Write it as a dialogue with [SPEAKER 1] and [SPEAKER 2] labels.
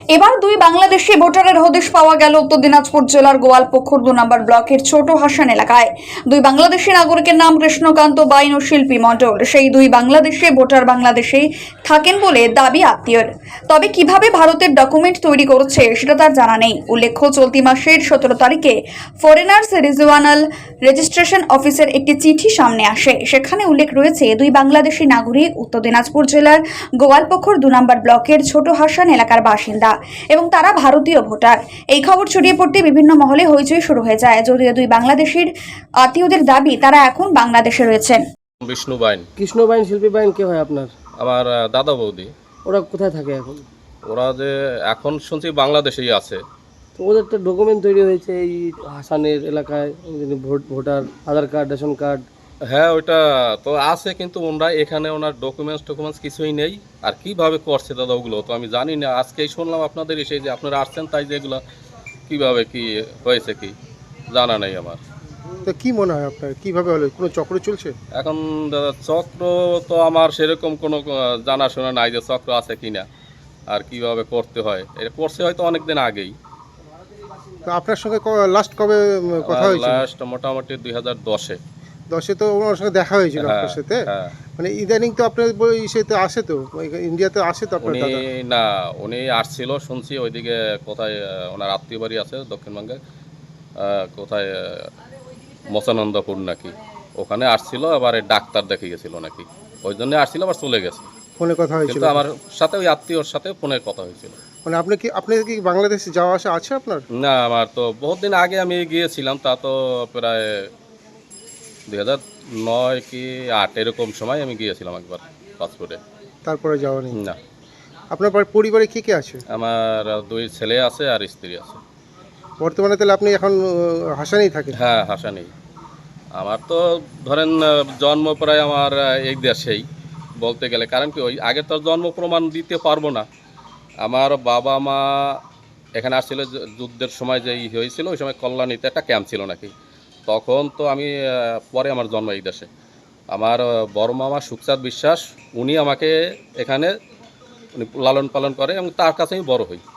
[SPEAKER 1] এবার দুই বাংলাদেশি ভোটারের হদিশ পাওয়া গেল উত্তর দিনাজপুর জেলার গোয়ালপুকুর 2 নম্বর ব্লকের ছোট হাসান এলাকায়। দুই বাংলাদেশি নাগরিকের নাম কৃষ্ণকান্ত বাইন ও শিল্পী মণ্ডল। সেই দুই বাংলাদেশি ভোটার বাংলাদেশেই থাকেন বলে দাবি আত্মীয়র। তবে কিভাবে ভারতের ডকুমেন্ট তৈরি করেছে সেটা তার জানা নেই। উল্লেখ্য, চলতি মাসের 17 তারিখে ফরেনার্স রিজিওনাল রেজিস্ট্রেশন অফিসের একটি চিঠি সামনে আসে। সেখানে উল্লেখ রয়েছে দুই বাংলাদেশি নাগরিক উত্তর দিনাজপুর জেলার গোয়ালপুকুর 2 নম্বর ব্লকের ছোট হাসান এলাকার বাসিন্দা এবং তারা ভারতীয় ভোটার। এই খবর ছড়িয়ে পড়তে বিভিন্ন মহলে হইচই শুরু হয়ে যায়। যদিও দুই বাংলাদেশের আত্মীয়দের দাবি তারা এখন বাংলাদেশে রয়েছেন।
[SPEAKER 2] বিষ্ণু বাইন।
[SPEAKER 3] কৃষ্ণ বাইন, শিল্পী বাইন কে হয় আপনার?
[SPEAKER 2] আমার দাদা বৌদি।
[SPEAKER 3] ওরা কোথায় থাকে এখন?
[SPEAKER 2] ওরা যে এখন শুনছি বাংলাদেশেই আছে।
[SPEAKER 3] তো ওদের তো ডকুমেন্ট তৈরি হয়েছে এই হাসানের এলাকায়, voter Aadhaar card, ration card.
[SPEAKER 2] হ্যাঁ, ওইটা তো আছে, কিন্তু ওনারা এখানে ওনার ডকুমেন্টস কিছুই নেই। আর কিভাবে করছে দাদা ওগুলো তো আমি জানি না। আজকেই শুনলাম আপনাদের এসে যে আপনারা আসছেন, তাই যে এগুলো কীভাবে কি হয়েছে কি জানা নেই আমার।
[SPEAKER 4] তো কি মনে হয় আপনার, কিভাবে হলো? কোনো চক্র চলছে
[SPEAKER 2] এখন দাদা চক্র তো আমার সেরকম কোনো জানাশোনা নাই যে চক্র আছে কিনা আর কিভাবে করতে হয়। এটা করছে হয়তো অনেকদিন আগেই।
[SPEAKER 4] তো আপনার সঙ্গে লাস্ট কবে কথা হয়েছিল?
[SPEAKER 2] লাস্ট মোটামুটি 2010-এ।
[SPEAKER 4] 10-এ তো ওনার সঙ্গে দেখা হয়েছিল আপনার সাথে?
[SPEAKER 2] হ্যাঁ।
[SPEAKER 4] মানে ইদানিং তো আপনার ইসেতে আসে, তো ইন্ডিয়াতে আসে তো আপনার
[SPEAKER 2] উনি
[SPEAKER 4] দাদা?
[SPEAKER 2] না, উনি আসছিল শুনছি ওইদিকে কোথায় ওনার আত্মীয় বাড়ি আছে দক্ষিণবঙ্গে, কোথায় মচানন্দপুর নাকি, ওখানে আসছিল। আবার ডাক্তার দেখে গেছিল নাকি, ওই জন্য আসছিল, আবার চলে গেছে।
[SPEAKER 4] ফোনে কথা হয়েছিল?
[SPEAKER 2] কিন্তু আমার সাথে ওই আত্মীয়র সাথে ফোনে কথা হয়েছিল।
[SPEAKER 4] মানে আপনি কি বাংলাদেশে যাওয়া আসা আছে আপনার?
[SPEAKER 2] না, আমার তো বহুত দিন আগে আমি গিয়েছিলাম, তা তো প্রায় 2009 কি 8 এরকম সময় আমি গিয়েছিলাম একবার পাসপোর্টে।
[SPEAKER 4] তারপরে যাওয়া নেই?
[SPEAKER 2] না।
[SPEAKER 4] আপনার পরিবারে কে কে আছে?
[SPEAKER 2] আমার 2 ছেলে আছে আর স্ত্রী আছে।
[SPEAKER 4] বর্তমানে তাহলে আপনি এখন হাসানেই থাকেন?
[SPEAKER 2] হ্যাঁ, হাসানেই। আমার তো ধরেন জন্ম প্রায় আমার এই দেশেই বলতে গেলে, কারণ কি ওই আগে তো জন্ম প্রমাণ দিতে পারবো না। আমার বাবা মা এখানে আসছিল যুদ্ধের সময় যে হয়েছিল, ওই সময় কল্যাণীতে একটা ক্যাম্প ছিল নাকি, তখন তো আমি পরে আমার জন্ম এই দেশে। আমার বড় মামা সুখচাঁদ বিশ্বাস, উনি আমাকে এখানে উনি লালন পালন করে এবং তার কাছে আমি বড় হই।